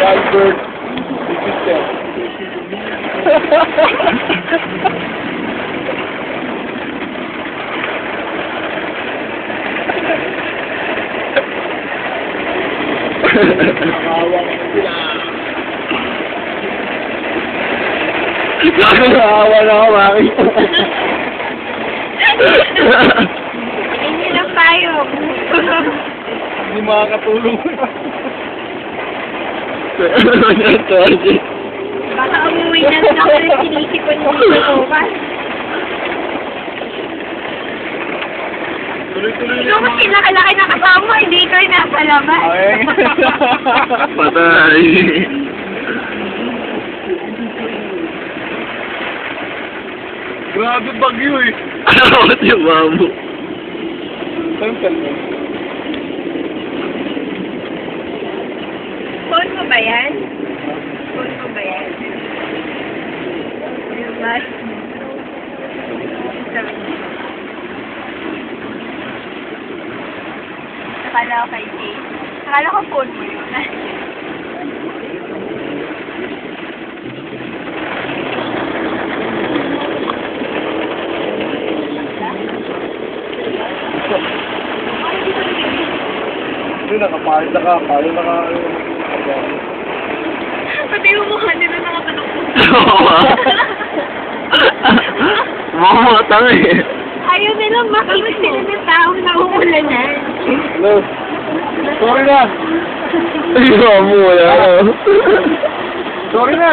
Albert. Sister. Nakakawa na ako, Maki. Hindi lang tayo. Hindi makakatulong. Baka umuwi na lang ako ng sinisipon mo sa bukas. Tuloy-tuloy Ikaw mas kinakalaki na kasama, hindi ikaw yung nasa labas. Patay. Grabe bagyo eh. Ano ba yung mamo? Saan mo? Phone mo ba yan? Phone mo ba yan? Diba? Akala ko kay Jay. Akala ko phone mo yun. Hindi, nakapahit na ka. Paano naka... Pati yung mukha nila nakatanong ko. Mga tanga eh. Ayaw nilang makita sila ng taong naumulanan. Hello? Sorry na! Ay, mamo, wala. Sorry na!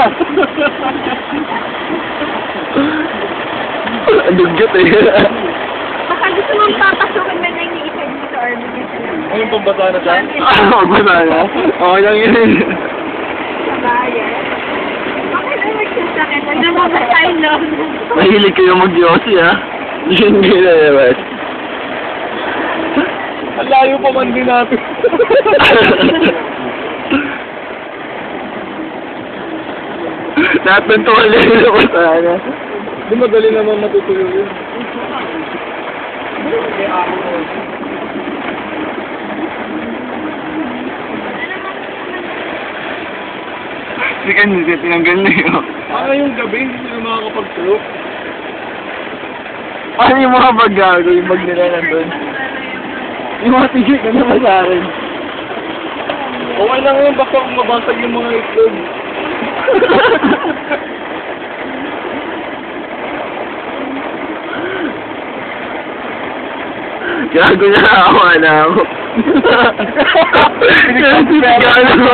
Ang dugyot eh. Baka gusto mong papasukin na lang yung isa dito or bigyan sa lang. Ngayon pambasa na siya? Magbasa na. Okay lang yun. Sa bayan. Bakit ang magsasakit? Hanggang mabasay lang. Mahilig kayo mag-yosi ha. Hindi na naman. Ang layo pa man din natin. Lahat ng tuwalin na ko sana. Di madali naman matutuyo yun. Hindi ka hindi tinanggal na yun. Para yung gabi, hindi sila makakapagtuyo. Ano yung mga bag-gago, yung bag nila nandun? Yung mga tigil ka naman sa akin. Okay lang yun, basta kung mabasag yung mga itlog. Gago na ako, na ako. Pinagpapera ako.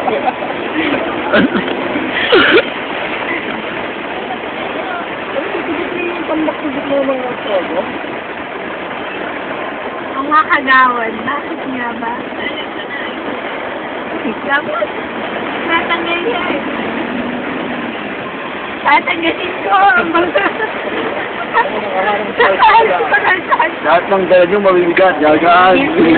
Ang mga kagawan, bakit nga ba? Dapat, tatanggal yan. Tatanggalin ko. Lahat ng dala nyo mabibigat, gagaan.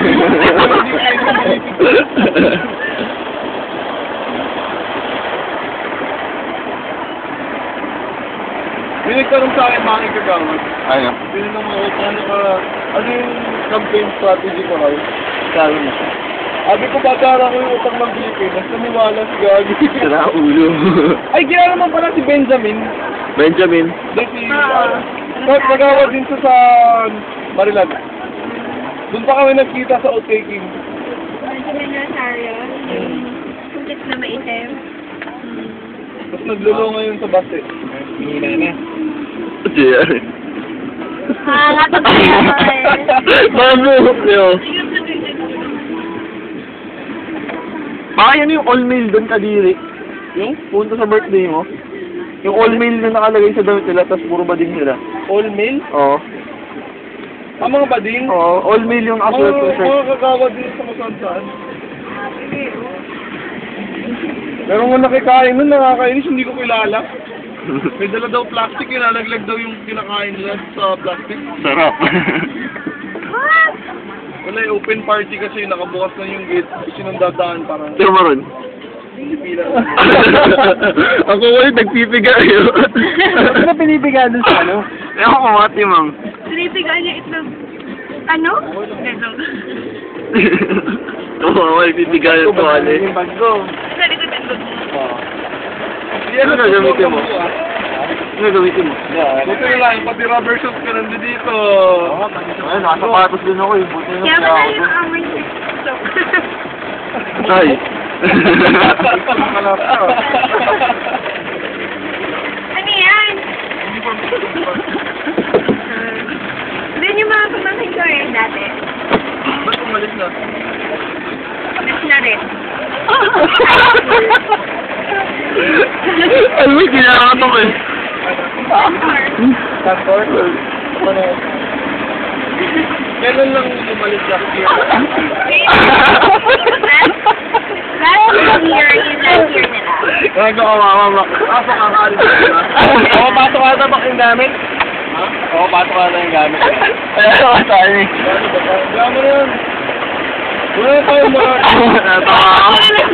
May nagtanong sa akin mga kagawad. Ano? Tinanong ako, ano yung campaign strategy ko raw? Sabi mo. Sabi ko, batara ko yung utang ng Pilipinas, naniwala si Gagi. Sira ulo. Ay, gila naman pala si Benjamin. Benjamin. Dahil si... Nagawad din siya sa Marilan. Doon pa kami nagkita sa outtaking. Benjamin Rosario, yung kulit na maitim. Tapos naglulo ngayon sa bus eh. Hina na. JR. Nakakatawa ako eh. Mabuhok niyo. Baka yan yung all-mail doon, Kadiri. Yung punta sa birthday mo. Yung all-mail na nakalagay sa damit nila, tapos puro bading nila. All mail? Oo. Ang mga bading? Oo, all-mail yung aswat ko, sir. Mga kagawad din sa masansaan. Pero kung nakikain nun, nakakainis, hindi ko kilala. May dala daw plastic, ilalaglag daw yung kinakain nila sa plastic. Sarap. Wala, open party kasi nakabukas na yung gate. Sinundadaan parang Sino maroon? pipila. Ako ulit nagpipiga yun. Ano na pinipiga dun sa ano? Ewan ko mga timang. Sinipigaan niya itlog. Ano? Itlog. Oo, nagpipiga yung tuwali. Yung bag ko. Sa likod Hindi Ano gagamitin mo? Ano gamitin mo? Buti na lang, pati rubber shoes ka nandito dito. Ay, nakasapatos din ako eh. Buti na Kaya siya wala ako. yung amoy sa TikTok. Ay. Ano yan? Doon yung mga pamangkin ko eh, dati. Ba't umalis na? Mas na rin. Ano ba kinakatok eh? Kantor? Kailan lang umalis na? Last year, yung last year nila. Gago ka mama. Pasok ang alis na. Oo, pasok ka na ba yung gamit? Ha? Oo, pasok ka na yung gamit. Kaya ka sa akin eh. Kaya mo na yan. Wala tayo mga... Natawa ako.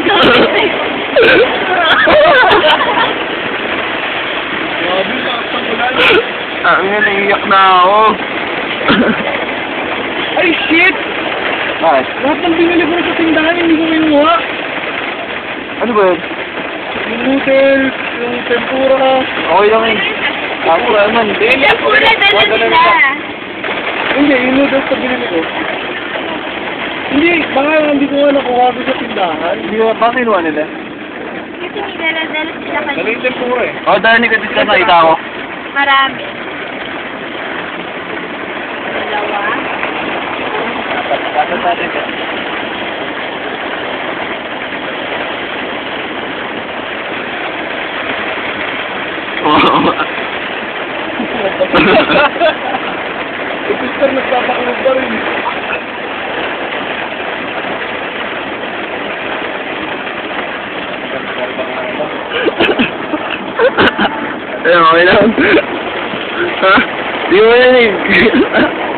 Grabe, nakasang ulan. Ang nga, naiiyak na ako. Ay, shit! Bakit? Lahat ng binili ko sa tindahan, hindi ko kinuha. Ano ba yun? Yung noodles, yung tempura. Okay lang yun. Ako naman. Yung pula dala nila. Hindi, yung noodles na binili ko. Hindi, baka hindi ko nga nakuha ko sa tindahan. Hindi ko, bakit kinuha nila? Kasi nilaladala sila Dala kanina. yung tempura eh. Oo, dahil negative ka nakita ko. Marami. Dalawa. Dapat natin ka. Wow. Yung sister nagpapakulog pa rin. Eh, okay lang. Ha? Di mo yan eh.